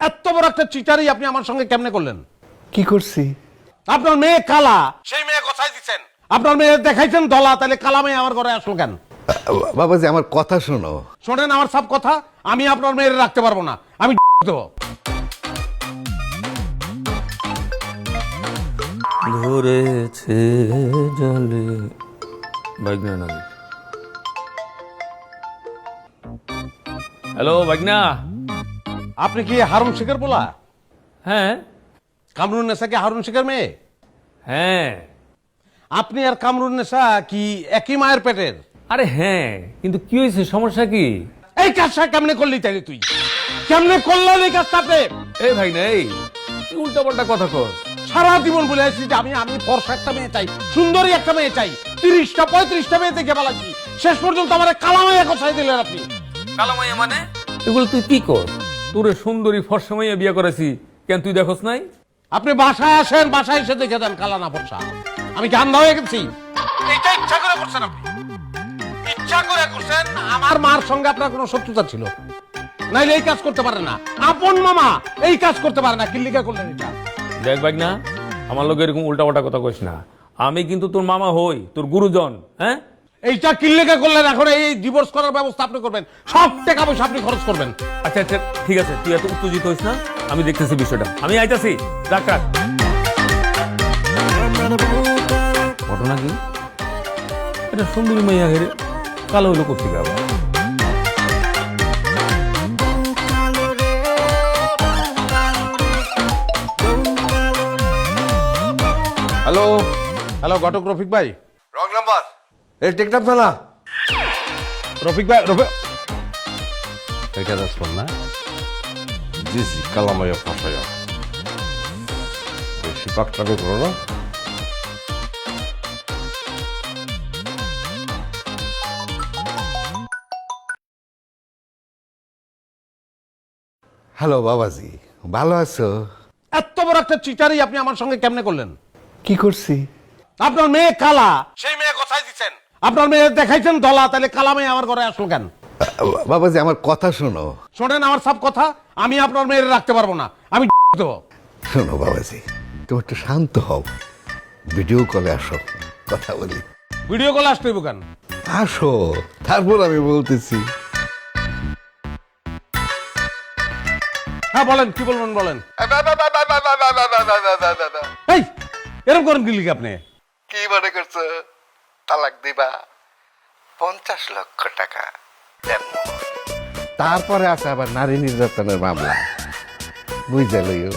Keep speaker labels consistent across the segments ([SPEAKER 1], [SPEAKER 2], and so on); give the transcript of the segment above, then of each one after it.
[SPEAKER 1] এত বড় একটা চিটারি আপনি আমার সঙ্গে কেমনে করলেন?
[SPEAKER 2] কি করছি?
[SPEAKER 1] আপনার মেয়ে কালা, সেই মেয়ে কোথায় দিচ্ছেন? আপনার মেয়ে দেখাইছেন ধলা, তাহলে কালা মেয়ে আমার ঘরে আসলো কেন?
[SPEAKER 2] বাবাজি আমার কথা শোনো।
[SPEAKER 1] শোনেন আমার সব কথা, আমি আপনার মেয়ের রাখতে পারবো না, আমি দেবো।
[SPEAKER 3] ধরেছে জলে বাগনা নাকি? হ্যালো বাগনা।
[SPEAKER 1] আপনি কি হারুন শেখের বলা?
[SPEAKER 3] হ্যাঁ
[SPEAKER 1] কামরুন্নেসা কি হারুন শেখের মেয়ে?
[SPEAKER 3] হ্যাঁ।
[SPEAKER 1] আপনি আর কামরুন্নেসা কি একই মায়ের পেটের?
[SPEAKER 3] আরে হ্যাঁ, কিন্তু কি হয়েছে, সমস্যা কি?
[SPEAKER 1] এই কাজটা কেমনে করলি তাই তুই? কেমনে করলেন এই কাজটা আপনি?
[SPEAKER 3] এই ভাই না, এই উল্টা পাল্টা কথা কর।
[SPEAKER 1] সারা জীবন বলে আসছি যে আমি ফর্সা একটা মেয়ে চাই, সুন্দরী একটা মেয়ে চাই, 30টা 35টা মেয়ে দেখে পালাচ্ছি, শেষ পর্যন্ত আমার কালামাইয়া কোথায় দিলেন আপনি?
[SPEAKER 3] কালামাইয়া মানে? এগুলো তুই কি কর? তোরে সুন্দরী ফর্সা মাইয়া বিয়ে করেছি, কেন তুই দেখোস নাই?
[SPEAKER 1] আপনি বাসায় আসেন, বাসায় এসে দেখে দেন কালা না ফর্সা। আমি কি আন্ধা হয়ে গেছি? এটা ইচ্ছা করে করছেন আপনি, ইচ্ছা করে করছেন। আমার মার সঙ্গে আপনার কোনো শত্রুতা ছিল, নাইলে এই কাজ করতে পারে না। আপন মামা এই কাজ করতে পারে না, কিল্লিকা করলেন এটা?
[SPEAKER 3] দেখ ভাই না, আমার লোক এরকম উল্টা পাল্টা কথা কইস না। আমি কিন্তু তোর মামা হই, তোর গুরুজন। হ্যাঁ,
[SPEAKER 1] এইটা কিল্লিকা করলেন, এখন এই ডিভোর্স করার ব্যবস্থা আপনি করবেন, সব টাকা পয়সা আপনি খরচ করবেন।
[SPEAKER 3] আচ্ছা আচ্ছা ঠিক আছে, তুই এত উত্তেজিত হইস না, আমি দেখতেছি বিষয়টা, আমি আইতাছি। ডাক্তার ঘটনা কি? এটা সুন্দরী মাইয়া হেরে কালো হইলো করছি আবার।
[SPEAKER 1] হ্যালো হ্যালো, ঘটক রফিক ভাই।
[SPEAKER 2] রং নাম্বার এই টেকনাফ থানা।
[SPEAKER 1] রফিক ভাই, রফিক এটা রেসপন্স না?
[SPEAKER 2] জি জি, কালামাইয়া ফাঁসাইয়া বেশি পাকটাকে করো না। হ্যালো বাবাজি, ভালো আছো?
[SPEAKER 1] এত বড় একটা চিটারি আপনি আমার সঙ্গে কেমনে করলেন?
[SPEAKER 2] কি করছি?
[SPEAKER 1] আপনার মেয়ে কালা, সেই মেয়ে কোথায় দিচ্ছেন? আপনার মেয়ে দেখাইছেন ধলা, তাহলে কালা মেয়ে আমার ঘরে আসলো কেন?
[SPEAKER 2] বাবাজি আমার কথা শোনো।
[SPEAKER 1] শোনেন আমার সব কথা, আমি আপনার মেয়ের রাখতে পারবো না, আমি দেবো।
[SPEAKER 2] শোনো বাবাজি, তুমি একটু শান্ত হও, ভিডিও কলে আসো, কথা বলি।
[SPEAKER 1] ভিডিও কল আসতে হইব কেন?
[SPEAKER 2] আসো, তারপর আমি বলতেছি।
[SPEAKER 1] হ্যাঁ বলেন, কি বলবেন বলেন। এই এরকম করেন কি লিখে আপনি?
[SPEAKER 2] কি মনে করছো তালাক দিবা? 50 লক্ষ টাকা তারপরে আছে আবার নারী নির্যাতনের মামলা, বুঝে লইও।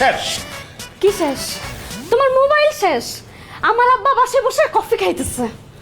[SPEAKER 4] কি শেষ? তোমার মোবাইল শেষ? আমার আব্বা বাসে বসে কফি খাইতেছে।